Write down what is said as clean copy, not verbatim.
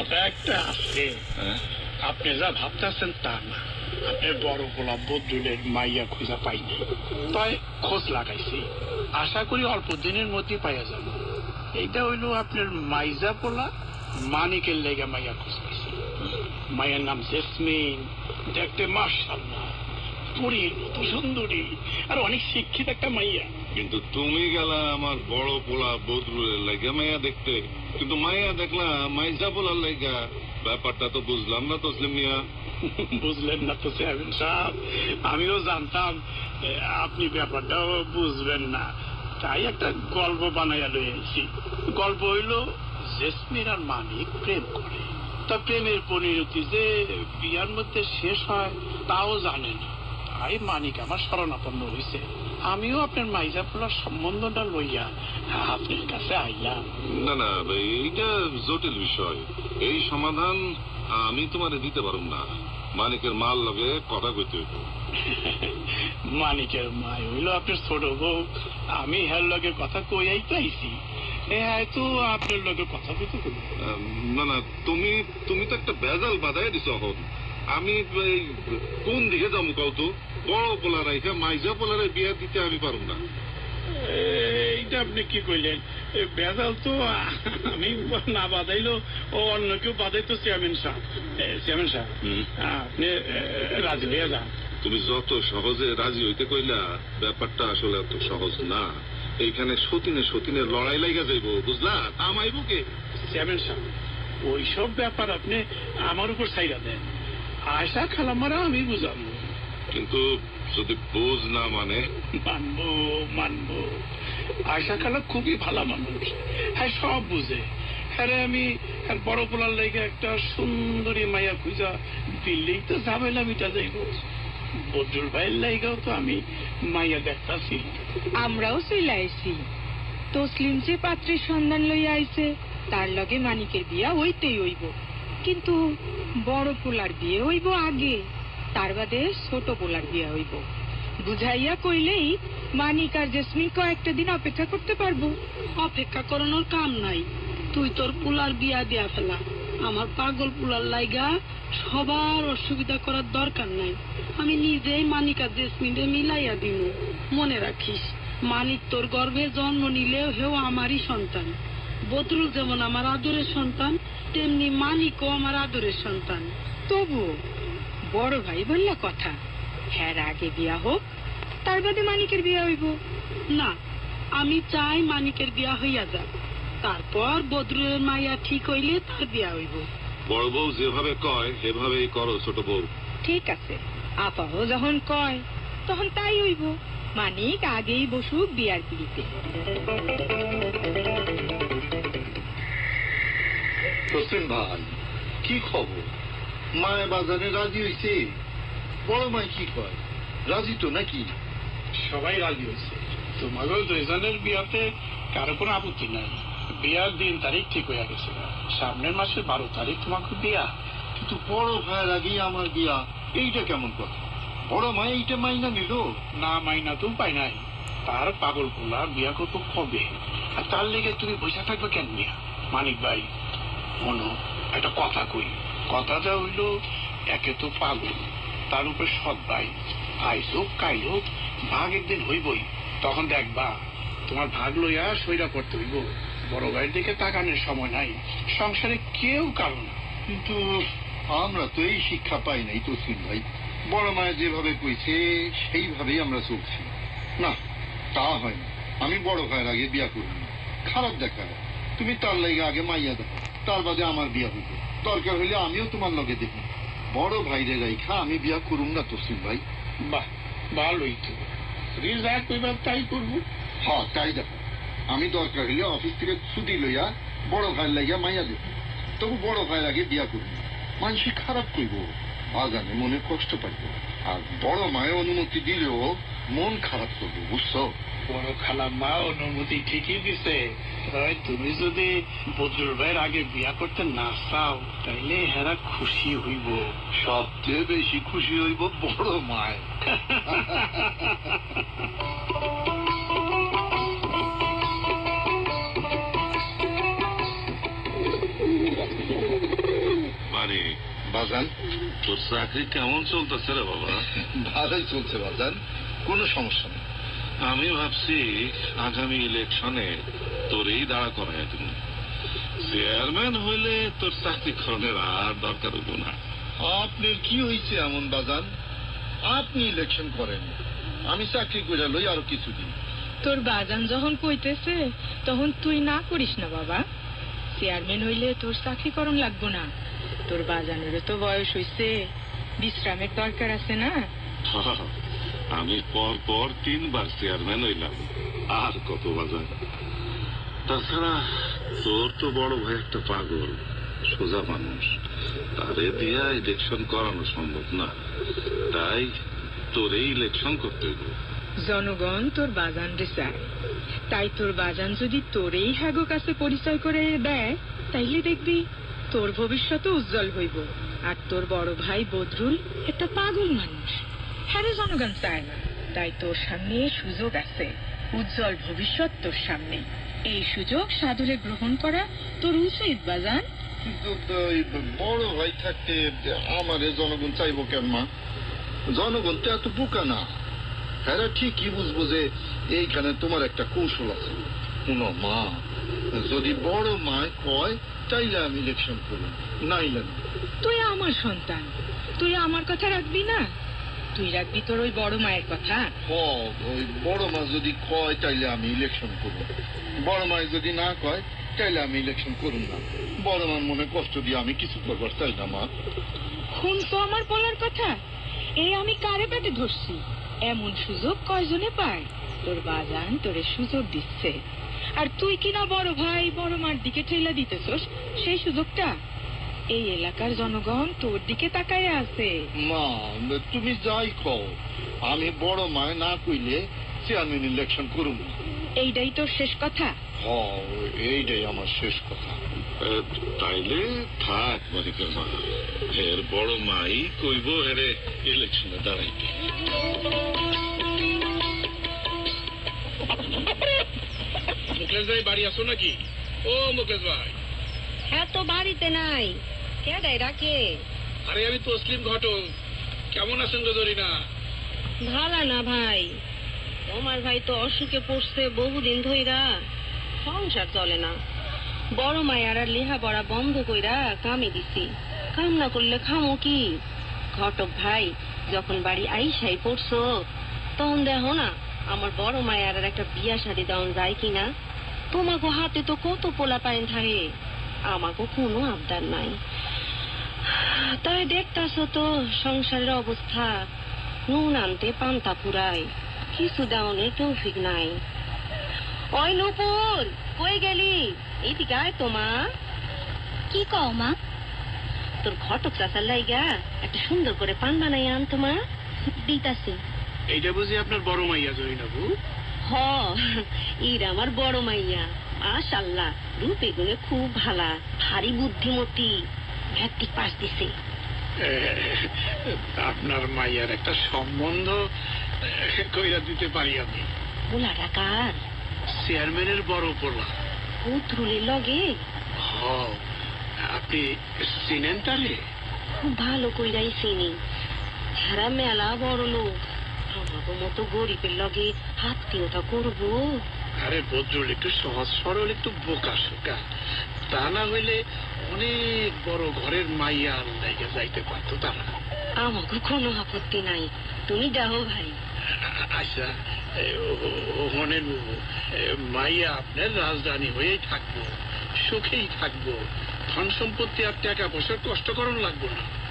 কথা একটা আছে, আপনি যা ভাবতেছেন তা না। আপনার বড় পোলা বদরুলের মাইয়া খুঁজা পাইনি, তাই খোঁজ লাগাইছি। আশা করি অল্প দিনের মধ্যে পাইয়া যাব। এইটা হইল আপনার মাইজা পোলা মানিকের লেগে মাইয়া খোঁজ পাইছি। মাইয়ার নাম জেসমিন, দেখতে মাশাআল্লাহ পরীর মতো সুন্দরী, আর অনেক শিক্ষিত একটা মাইয়া। কিন্তু তুমি গেলা আমার বড় পোলা বদরুলের লাগা মাইয়া দেখতে, কিন্তু মাইয়া দেখলা মাইজা পোলার লাগা। ব্যাপারটা তো বুঝলাম না তসলিম মিয়া। বুঝলেন না তো চেয়ারম্যান সাহেব, আমিও জানতাম আপনি ব্যাপারটাও বুঝবেন না, তাই একটা গল্প বানাইয়া লইছি। গল্প হইল জেসমিন আর মানিক প্রেম করে, তা প্রেমের পরিণতি যে বিয়ার মধ্যে শেষ হয় তাও জানে না। তাই মানিক আমার শরণাপন্ন হয়েছে। আমিও আপনার মাইজা পোলার সম্বন্ধটা লইয়া আপনার কাছে আইলাম। না না, এইটা জটিল বিষয়, এই সমাধান আমি তোমারে দিতে পারুম না। মানিকের মাল লগে কথা কইতে হইব। মানিকের মা হইল আপনার ছোট বউ, আমি হের লগে কথা কইয়াই তো আইছি, হয়তো আপনার লগে কথা কইতে কইব। না না, তুমি তুমি তো একটা ভেজাল বাধাই দিছ। এখন আমি কোন দিকে যাবো কও তো? বড় পোলা রাইখা মাইজা পোলারে বিয়া দিতে আমি পারুম না। এইটা আপনি কি কইলেন? ভেজাল তো আমি না বাধাইলো ও অন্য কেউ বাধাইতো চেয়ারম্যান সাহেব। চেয়ারম্যান সাহেব, আপনি রাজি হইয়া যান। তুমি যত সহজে রাজি হইতে কইলা, ব্যাপারটা আসলে এত সহজ না। এইখানে সতীনে সতীনে লড়াই লাগা যাইব, বুঝলা? আমাইব কে? চেয়ারম্যান সাহেব, ওইসব ব্যাপার আপনি আমার উপর ছাইরা দেন। আয়সা খালামারা আমি বুঝাবো। কিন্তু যদি বোঝ না মানে? মানবো মানবো, আয়সা খালা খুবই ভালো মানুষ, হ্যাঁ সব বুঝে। হ্যাঁ আমি বড় পোলার লেগে একটা সুন্দরী মাইয়া খুঁজা দিল্লেই তো ঝামেলা মিটা যাইব। বদরুল ভাইয়ের লাইগাও তো আমি মাইয়া দেখতাছি। আমরাও চলে আইছি। তসলিম যে পাত্রের সন্ধান লইয়া আইছে তার লগে মানিকের বিয়া হইতেই হইব, কিন্তু বড় পোলার বিয়ে হইব আগে, তার বাদে ছোট পোলার বিয়া হইব। বুঝাইয়া কইলেই মানিক আর জেসমিন কয়েকটা দিন অপেক্ষা করতে পারবো। অপেক্ষা করানোর কাম নাই, তুই তোর পুলার বিয়া দিয়া ফেলা। আমার পাগল পুলার লাইগা সবার অসুবিধা করার দরকার নাই। আমি নিজেই মানিক আর জেসমিনে মিলাইয়া দিব। মনে রাখিস, মানিক তোর গর্ভে জন্ম নিলেও হেও আমারই সন্তান। বদরুল যেমন আমার আদরের সন্তান, তেমনি মানিকও আমার আদরের সন্তান। তবু বড় ভাই বললা কথা, হ্যাঁ আগে বিয়া হোক, তার বাদে মানিকের বিয়া হইব। না, আমি চাই মানিকের বিয়া হইয়া যাক, তারপর বদরুলের মাইয়া ঠিক হইলে তার বিয়া হইব। বড় বউ যেভাবে কয় সেভাবেই করো ছোট বউ। ঠিক আছে, আপাও যখন কয় তখন তাই হইব। মানিক আগেই বসুক বিয়ার পিড়িতে। হোসেন ভাই, কি খবর? মায় বাজারে রাজি হইছে? বড় মাই কি কয়, রাজি তো নাকি? সবাই রাজি হয়েছে। তোমাকেও দুইজনের বিয়াতে কারো কোনো আপত্তি নাই। বিয়ার দিন তারিখ ঠিক হয়ে গেছে, সামনের মাসের 12 তারিখ তোমাকে বিয়া। কিন্তু বড় ভাইয়ের আগেই আমার বিয়া, এইটা কেমন কথা? বড় মাই এইটা মাইনা নিল? না মাইনা তো পাই নাই। তার পাগল পোলা বিয়া করবো কবে, আর তার লেগে তুমি বসে থাকবে কেন বিয়া? মানিক ভাই মনো, একটা কথা কই। কথাটা হইল, একে তো পাগল, তার উপরে সৎ ভাই। আইস হোক কাইল হোক ভাগ একদিন হইবই। তখন দেখবা তোমার ভাগ লইয়া সইরা পড়তে হইব। বড় ভাইয়ের দিকে তাকানোর সময় নাই, সংসারে কেউ কারো না। কিন্তু আমরা তো এই শিক্ষা পাই নাই তসলিম ভাই। বড় মায়ের যেভাবে কইছে সেইভাবেই আমরা চলছি। না, তা হয় না। আমি বড় ভাইয়ের আগে বিয়া করব না, খারাপ দেখা। তুমি তার লাগে আগে মাইয়া দেখো, তার বাদে আমার বিয়া হইব। দরকার হইলে আমিও তোমার লগে দেখব। বড় ভাইরে রাইখা আমি বিয়া করুম না তসলিম ভাই। বাহ, ভালোই তো, যা কইবার তাই করবো। হ্যাঁ, তাই দেখো। আমি দরকার হইলে অফিস থেকে ছুটি লইয়া বড় ভাইয়ের লাগিয়া মাইয়া দেব, তবু বড় ভাইয়ের আগে বিয়া করব। মানুষ খারাপ কইব, বাগানে মনে কষ্ট পাইব। আর বড় মায়ের অনুমতি দিলেও মন খারাপ করবো, বুঝছো? বড় খালা মা অনুমতি ঠিকই দিছে। তুমি যদি বদরুল ভাইয়ের আগে বিয়া করতে না চাও, তাইলে হেরা খুশি হইব। সবচেয়ে বেশি খুশি হইব বড় মায়। বাজান, তোর চাকরি কেমন চলতেছে রে বাবা? ভালোই চলছে বাজান, কোনো সমস্যা নেই। আমি ভাবছি আগামী ইলেকশনে তোরই দাঁড়া করাই তুমি। চেয়ারম্যান হইলে তোর চাকরি খরণের আর দরকার হইব না। আপনার কি হয়েছে এমন বাজান? আপনি ইলেকশন করেন, আমি চাকরি করে লই আরো কিছুদিন। তোর বাজান যখন কইতেছে তখন তুই না করিস না বাবা। চেয়ারম্যান হইলে তোর চাকরি করণ লাগবো না। তোর বাজানেরও তো বয়স হইছে, বিশ্রামের দরকার আছে না? আমি পর পর 3 বার চেয়ারম্যান হইলাম, আর কত বাজার। তাছাড়া তোর তো বড় ভাই একটা পাগল, সোজা মানুষ, তারে দিয়া ইলেকশন করানো সম্ভব না। তাই তোরে ইলেকশন করতে হইব। জনগণ তোর বাজান রে চায়, তাই তোর বাজান যদি তোরেই হ্যাগো কাছে পরিচয় করে দেয়, তাইলে দেখবি তোর ভবিষ্যৎ উজ্জ্বল হইব। আর তোর বড় ভাই বদরুল একটা পাগল মানুষ, হ্যাঁ জনগণ চায় না। তাই তোর সামনে সুযোগ আছে, উজ্জ্বল ভবিষ্যৎ তোর সামনে। এই সুযোগ সাদরে গ্রহণ করা তোর উচিত বাজান। কিন্তু ওই বড় ভাই থাকতে আমারে জনগণ চাইবো কেন মা? জনগণ তো এত বোকা না, হ্যাঁ ঠিকই বুঝবো যে এইখানে তোমার একটা কৌশল আছে। শুনো মা, যদি বড় মায় কয় তাইলে আমি ইলেকশন করব, নাইলে না। তুই আমার সন্তান, তুই আমার কথা রাখবি না? তুই রাখবি তোর ওই বড় মায়ের কথা? ওই বড় মা যদি কয় তাইলে আমি ইলেকশন করব, বড় মায় যদি না কয় তাইলে আমি ইলেকশন করুন না। বড় মার মনে কষ্ট দিয়ে আমি কিছু করবার চাই না মা। শুনছো আমার বলার কথা? এই আমি কারে পেটে ধরছি? এমন সুযোগ কয়জনে পায়? তোর বাজান তোরে সুযোগ দিচ্ছে, আর তুই কিনা বড় ভাই বড় মার দিকে ঠেলা দিতেছস সেই সুযোগটা। এই এলাকার জনগণ তোর দিকে তাকায় আছে। মা তুমি যাই কও, আমি বড় মায় না কইলে চেয়ারম্যান ইলেকশন করুন না। এইটাই তোর শেষ কথা? এইটাই আমার শেষ কথা। তাইলে থাক মানিকের মা, এর বড় মাই কইব এরে ইলেকশনে দাঁড়াইতে। মুকেশ ভাই বাড়ি আসো নাকি? ও মুকেশ ভাই। হ্যাঁ তো বাড়িতে নাই, কে দেয় ডাকে? আরে আমি তসলিম ঘটক। কেমন আছেন গজরিনা? ভালো না ভাই, তোমার ভাই তো অসুখে পড়ছে বহুদিন ধইরা, সংসার চলে না। বড় মায়ার আর লেহা পড়া বন্ধ কইরা কামে দিছি, কাম না করলে খামো কি? ঘটক ভাই যখন বাড়ি আইসাই পড়ছো, তখন দেখো না আমার বড় মায়ার আর একটা বিয়া শাদী দেওয়া যায় কিনা। তোমাকে হাতে তো কত পোলা পাইন থাকে, আমাকে কোনো আবদার নাই। তাই দেখতাছ তো সংসারের অবস্থা, নুন আনতে পান্তা ফুরায়, কিছু দেওয়ানের তৌফিক নাই। ওই নুপুর, কই গেলি? এইদিকে আয় তো মা। কি কও মা? তোর ঘটক চাচার লাইগা একটা সুন্দর করে পান বানাই আনতো মা। দিতাছি। এইটা বুঝি আপনার বড় মাইয়া জরিনাবু? হ, ইরা আমার বড় মাইয়া, মাশাআল্লাহ রূপে গুণে খুব ভালা, ভারী বুদ্ধিমতী, ম্যাট্রিক পাস দিছে। আপনার মাইয়ার একটা সম্বন্ধ কইরা দিতে পারি আমি। পোলাটা কার? চেয়ারম্যানের বড় পোলা। বদরুলের লগে? হ, আপনি চিনেন তারে? খুব ভালো কইরাই চিনি, হেরা মেলা বড় লোক, আমাকে মতো গরিবের লগে আত্মীয়তা করবো? আরে বদরুল একটু সহজ সরল, একটু বোকা শোকা, তা না হইলে অনেক বড় ঘরের মাইয়া লাইগা যাইতে পারতো তারা। আমাকে কোনো আপত্তি নাই, তুমি যাও ভাই। আচ্ছা, ওখানে মাইয়া আপনার রাজধানী হয়েই থাকবো, সুখেই থাকবো, ধন সম্পত্তি আর টাকা পয়সার কষ্ট করণ লাগবো না।